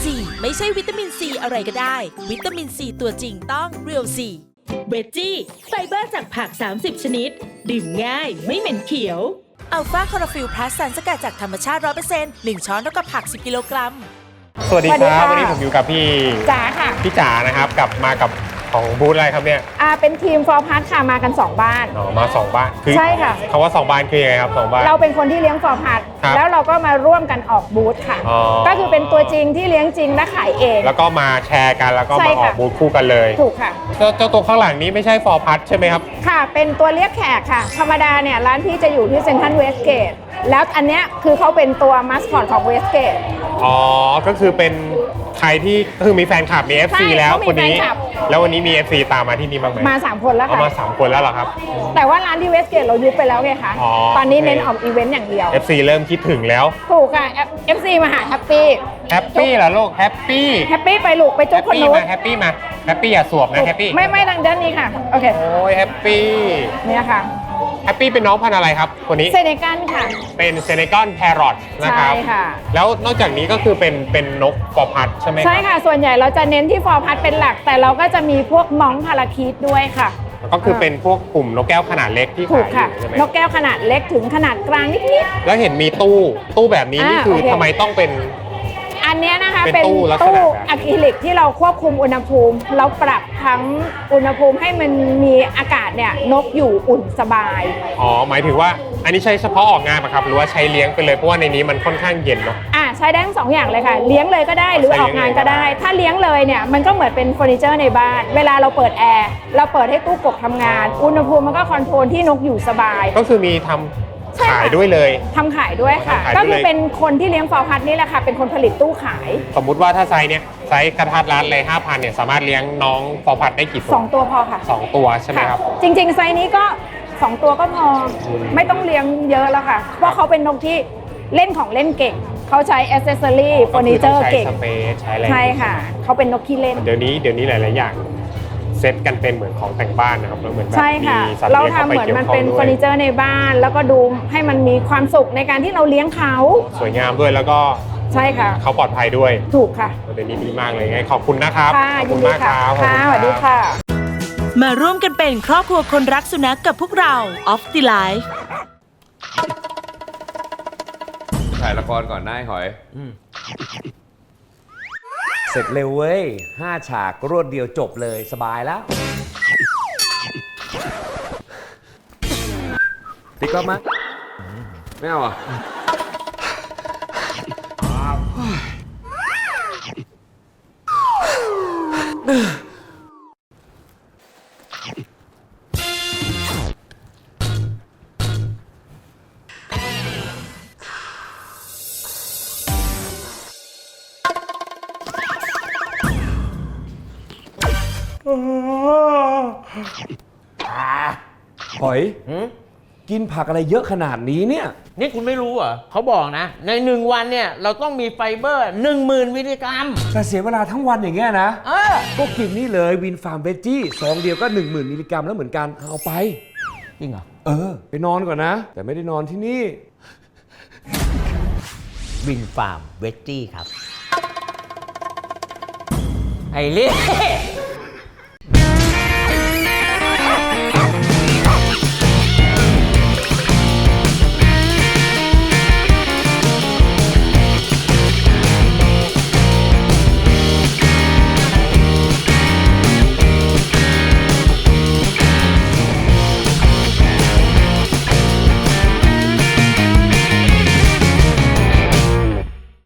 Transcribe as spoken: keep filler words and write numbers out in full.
ซี ไม่ใช่วิตามินซีอะไรก็ได้ วิตามินซีตัวจริงต้องเรียวซีเวจจี้ไฟเบอร์จากผัก สามสิบ ชนิด ดื่มง่ายไม่เหม็นเขียวอัลฟาคอร์ฟิลพลัสสารสกัดจากธรรมชาติ ร้อยเปอร์เซ็นต์ หนึ่ง ช้อนเท่ากับผัก สิบ กิโลกรัมสวัสดีครับวันนี้ผมอยู่กับพี่จ๋าค่ะพี่จ๋านะครับกลับมากับของบูธอะไรครับเนี่ยอ่าเป็นทีมฟอร์พัทค่ะมากันสองบ้านอ๋อมาสองบ้านคือใช่ค่ะคำว่าสองบ้านคือยังไงครับสองบ้านเราเป็นคนที่เลี้ยงฟอร์พัทครับแล้วเราก็มาร่วมกันออกบูธค่ะอ๋อก็คือเป็นตัวจริงที่เลี้ยงจริงและขายเองแล้วก็มาแชร์กันแล้วก็ใช่มาออค่ะกบูธคู่กันเลยถูกค่ะเจ้าเจ้าตัวข้างหลังนี้ไม่ใช่ฟอร์พัทใช่ไหมครับค่ะเป็นตัวเรียกแขกค่ะ ธรรมดาเนี่ยร้านพี่จะอยู่ที่เซ็นทรัลเวสเกตแล้วอันเนี้ยคือเขาเป็นตัวมัสคอตของเวสเกตอ๋อก็คือเป็นใครที่คือมีแฟนคลับมี เอฟ ซีใช่แล้วเขามีคนนี้แฟนคลับแล้ววันนี้มี เอฟ ซี ตามมาที่นี่บ้างไหมมาสามคนแล้วเอาค่ะมาสามคนแล้วเหรอครับแต่ว่าร้านที่เวสเกตเรายุบไปแล้วไงคะอ๋อตอนนี้เน้นโอเคออกอีเวนต์อย่างเดียวเอฟ ซี เริ่มคิดถึงแล้วถูกค่ะ เอฟ ซี มาหาแฮปปี้แฮปปี้เหรอลูกแฮปปี้แฮปปี้ไปลูกไปแฮจุ๊บปคนปี้นู้นมาแฮปปี้มาแฮปปี้อย่าสวบนะแฮปปี้ไม่ไม่ทางด้านนี้ค่ะ โอเคโอ้ยแฮปปี้เนี่ยค่ะแฮปปี้เป็นน้องพันธุ์อะไรครับคนนี้เซเนกันค่ะเป็นเซเนกอนแพรอทนะครับใช่ค่ะแล้วนอกจากนี้ก็คือเป็นเป็นนกฟอร์พัดใช่ไหมครับใช่ค่ะ ส่วนใหญ่เราจะเน้นที่ฟอร์พัดเป็นหลัก แต่เราก็จะมีพวกมองพาราคีตด้วยค่ะก็คือเป็นพวกกลุ่มนกแก้วขนาดเล็กที่ถูขาก ยอค่ะยู่ใช่ไหมนกแก้วขนาดเล็กถึงขนาดกลางนิดแล้วเห็นมีตู้ตู้แบบนี้นี่อ่าคือโอเคทำไมต้องเป็นๆ อันเนี้ยนะคะเป็นเป็นตู้ลักษณะตู้แบบอะคริลิกที่เราควบคุมอุณหภูมิ เราปรับทั้งอุณหภูมิให้มันมีอากาศเนี่ยนกอยู่อุ่นสบายอ๋อหมายถึงว่าอันนี้ใช้เฉพาะออกงานปะครับหรือว่าใช้เลี้ยงไปเลยเพราะว่าในนี้มันค่อนข้างเย็นเนาะอ่าใช้ได้ทั้งสองอย่างเลยค่ะ เลี้ยงเลยก็ได้หรือใช้อเลี้อย กงงานเลยก็ก็ได้ได้ ถ้าเลี้ยงเลยเนี่ยมันก็เหมือนเป็นเฟอร์นิเจอร์ในบ้าน เวลาเราเปิดแอร์เราเปิดให้ตู้กบทำงาน อุณหภูมิมันก็คอนโทรลที่นกอยู่สบายก็คือมีทำใช่ค่ะขายด้วยเลยทำขายด้วยค่ะทำขายด้วยก็คือเป็นคนที่เลี้ยงฟอร์พัดนี่แหละค่ะ เป็นคนผลิตตู้ขายสมมุติว่าถ้าไซส์เนี้ยไซส์กระทัดรัดเลยห้าพันเนี่ยสามารถเลี้ยงน้องฟอร์พัดได้กี่ตัวสองตัวพอค่ะสองตัวใช่ไหมครับจริงๆ ไซส์นี้ก็สองตัวก็พอ ไม่ต้องเลี้ยงเยอะแล้วค่ะ เพราะเขาเป็นนกที่เล่นของเล่นเก่ง เขาใช้อ c เซสซอรี่เฟอร์นิเจอร์เก่งก็คือต้องใช้สเปซใช้อะไรใช่ค่ะ เขาเป็นนกขี้เล่นเดี๋ยวนี้เดี๋ยวนี้หลาย ๆ อย่างเซ็ตกันเป็นเหมือนของแต่งบ้านนะครับแล้วเหมือนแบบใช่มีค่ะสัตว์เราเลี้ยงเข้าทำไปเหมือนเกี่ยวมันข้อเป็นงด้เฟวอย ร์นิเจอร์ในบ้าน แล้วก็ดูให้มันมีความสุขในการที่เราเลี้ยงเขาสวยงามด้วยแล้วก็ใช่ค่ะเขาปลอดภัยด้วยถูกค่ะเดี๋ยวนี้ดีมากเลยไงขอบคุณนะครับค่ะขอบยิคุนณดีมากคค่ะรับขอบค่ะณสวัสดีรับค่ะมาร่วมกันเป็นครอบครัวคนรักสุนัข กับพวกเรา Off the Life ถ่ายละครก่อนได้หอยเสร็จเร็วเว้ยห้าฉากรวดเดียวจบเลยสบายแล้วติ๊กก็มาไม่เอาอ่ะหอยกินผักอะไรเยอะขนาดนี้เนี่ยนี่คุณไม่รู้เหรอเขาบอกนะ ในหนึ่งวันเนี่ย เราต้องมีไฟเบอร์หนึ่งหมื่นมิลลิกรัมแต่เสียเวลาทั้งวันอย่างเงี้ยนะเออก็กินนี่เลยวินฟาร์มเวจจี้ซองเดียวก็ หนึ่งหมื่น มิลลิกรัมแล้วเหมือนกัน เอาไปจริงเหรอเออ ไปนอนก่อนนะ แต่ไม่ได้นอนที่นี่วินฟาร์มเวจจี้ครับ ไอ้เล่